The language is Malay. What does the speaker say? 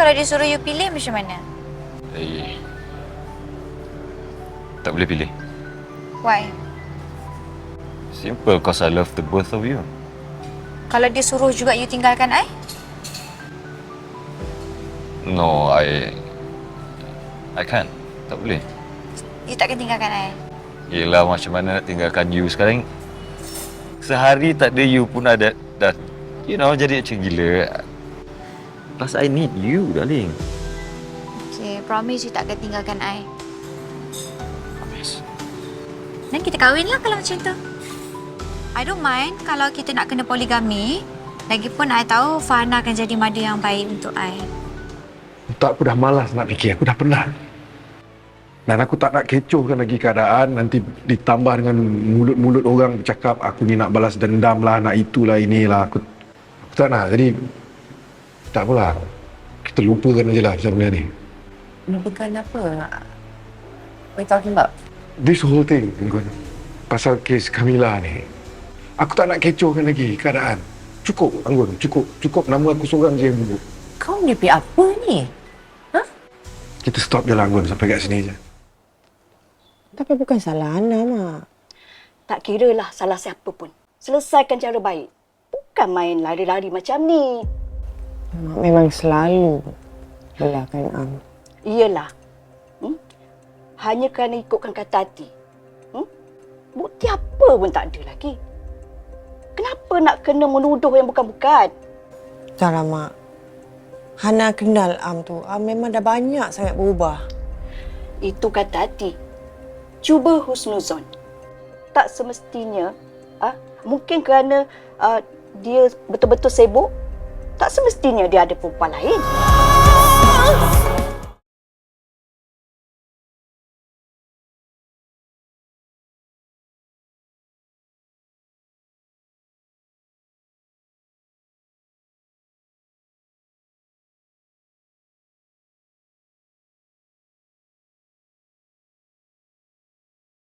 kalau dia suruh you pilih macam mana? Tak boleh pilih. Why? Simple, cause I love the both of you. Kalau dia suruh juga you tinggalkan I? No, I can't. Tak boleh. You takkan tinggalkan I? Yelah, macam mana nak tinggalkan you sekarang? Sehari tak ada you pun dah jadi macam gila. Plus I need you, darling. Okay, promise you takkan tinggalkan I. Promise. Dan kita kahwin lah kalau macam tu. I don't mind kalau kita nak kena poligami. Lagipun I tahu Farhana akan jadi mother yang baik untuk I. Tak, aku dah malas nak fikir. Aku dah penat. Dan aku tak nak kecohkan lagi keadaan. Nanti ditambah dengan mulut-mulut orang bercakap, aku ni nak balas dendam lah, nak itulah, inilah. Aku tak nak. Jadi, tak apalah. Kita lupakan aje lah pasal benda ni. Lupakan apa? What are you talking about? This whole thing, Enggun. Pasal kes Kamila ni. Aku tak nak kecohkan lagi keadaan. Cukup, Anggun. Cukup nama aku seorang je yang buruk. Kau mimpi apa ni? Kita stop je lah, Anggun. Sampai kat sini je. Tapi bukan salah Ana, Mak. Tak kiralah salah siapa pun. Selesaikan cara baik. Bukan main lari-lari macam ni. Mak memang selalu belakang Am. Iyalah. Hanya kerana ikutkan kata hati. Bukti apa pun tak ada lagi. Kenapa nak kena menuduh yang bukan-bukan? Taklah, Mak. Hana kenal Am tu. Am memang dah banyak sangat berubah. Itu kata hati. Cuba husnuzon. Tak semestinya, mungkin kerana dia betul-betul sibuk, tak semestinya dia ada perempuan lain.